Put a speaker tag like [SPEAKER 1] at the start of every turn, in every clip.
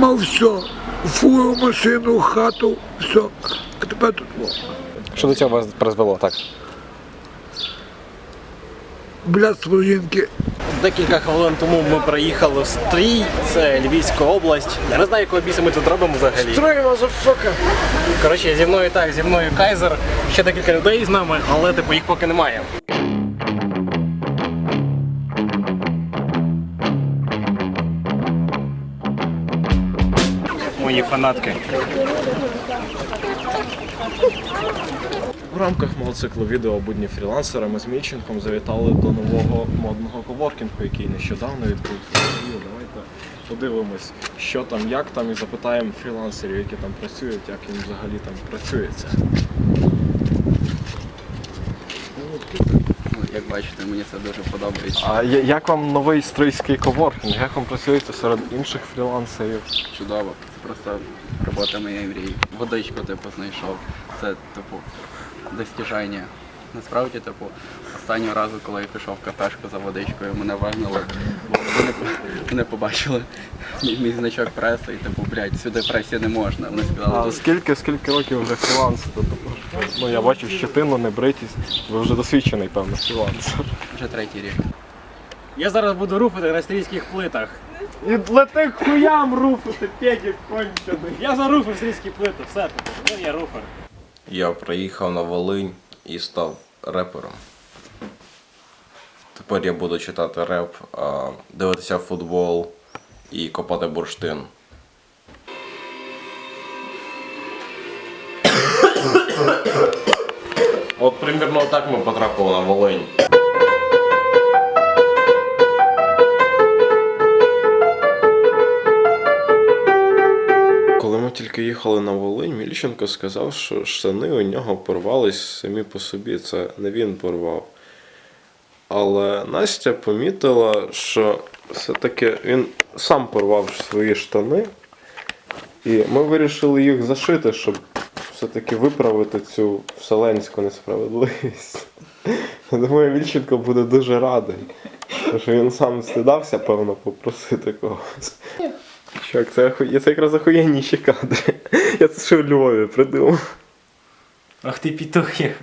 [SPEAKER 1] мав все. Фуру, машину, хату, все. А тепер тут во.
[SPEAKER 2] Що до цього вас призвело, так?
[SPEAKER 1] Блядство жінки.
[SPEAKER 3] Декілька хвилин тому ми приїхали в Стрій, це Львівська область. Я не знаю, якого біса ми тут робимо взагалі.
[SPEAKER 1] Стрій, мазафака!
[SPEAKER 3] Коротше, зі мною Кайзер, ще декілька людей з нами, але типу їх поки немає. Мої фанатки.
[SPEAKER 4] В рамках мого циклу відео «Будні фрілансера» ми з Мільченком завітали до нового модного коворкінгу, який нещодавно відбувся. Давайте подивимось, що там, як там, і запитаємо фрілансерів, які там працюють, як їм взагалі там працюється.
[SPEAKER 5] Як бачите, мені це дуже подобається.
[SPEAKER 4] А як вам новий стрийський коворкінг? Як вам працюєте серед інших фрілансерів?
[SPEAKER 5] Чудово. Це просто робота моєї мрії. Водичку, типу, знайшов. Це, типу, достіжання. Насправді, типу, останнього разу, коли я пішов в кафешку за водичкою, мене вигнали, бо вони побачили мій значок преси і, типу, блядь, сюди пресі не можна. Вони сказали,
[SPEAKER 4] А скільки років вже фрілансите? Ну, я бачу щетину, небритість. Ви вже досвідчений, певно, фрілансер.
[SPEAKER 5] вже 3-й рік.
[SPEAKER 3] Я зараз буду руфати на стрійських плитах.
[SPEAKER 4] І лети хуям руфити, педик кончений.
[SPEAKER 3] Я заруфив стрійські плити, все, ну я руфер.
[SPEAKER 6] Я приїхав на Волинь і став репером. Тепер я буду читати реп, дивитися футбол і копати бурштин. От примірно так ми потрапили на Волинь. Коли ми тільки їхали на Волинь, Мільченко сказав, що штани у нього порвались самі по собі, це не він порвав. Але Настя помітила, що все-таки він сам порвав свої штани, і ми вирішили їх зашити, щоб все-таки виправити цю вселенську несправедливість. Я думаю, Мільченко буде дуже радий, тому що він сам стидався, певно, попросити когось. Чувак, це якраз охуєнніші кадри. Я це ще в Львові придумав.
[SPEAKER 3] Ах ти пітухи.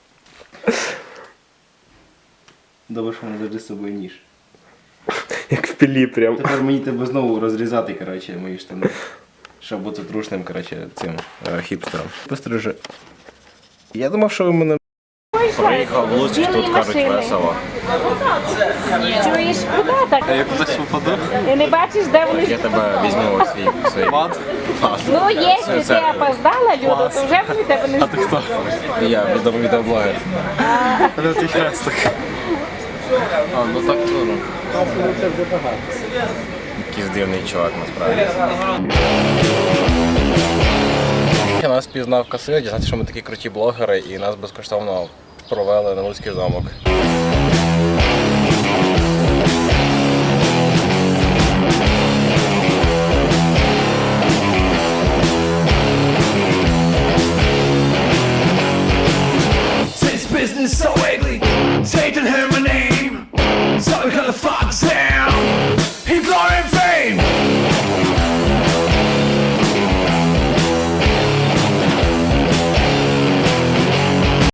[SPEAKER 3] Добре, що мене завжди з собою ніж.
[SPEAKER 4] Як в пілі прям.
[SPEAKER 3] Тепер мені тебе знову розрізати, коротше, мої штани. Щоб бути трушним, коротше, цим хіпстером. Пострижи. Я думав, що ви мене...
[SPEAKER 6] Приїхав в Луцьк, тут кажуть весело.
[SPEAKER 7] Чуєш, куди так?
[SPEAKER 3] Я кудись попаду?
[SPEAKER 7] Ти не бачиш, де вони?
[SPEAKER 6] Я тебе візьму у свій мат.
[SPEAKER 7] Ну, якщо ти опоздала, Люда, то вже вони тебе не ждуть.
[SPEAKER 3] Хто?
[SPEAKER 6] Я відеоблогер.
[SPEAKER 3] Ну ти хрестик.
[SPEAKER 6] А, ну так трудно. Якийсь дивний чувак, насправді. Нас пізнав касир, дізнався, що ми такі круті блогери, і нас безкоштовно провели на Луцький замок.
[SPEAKER 8] Since business so ugly, Satan heard my name.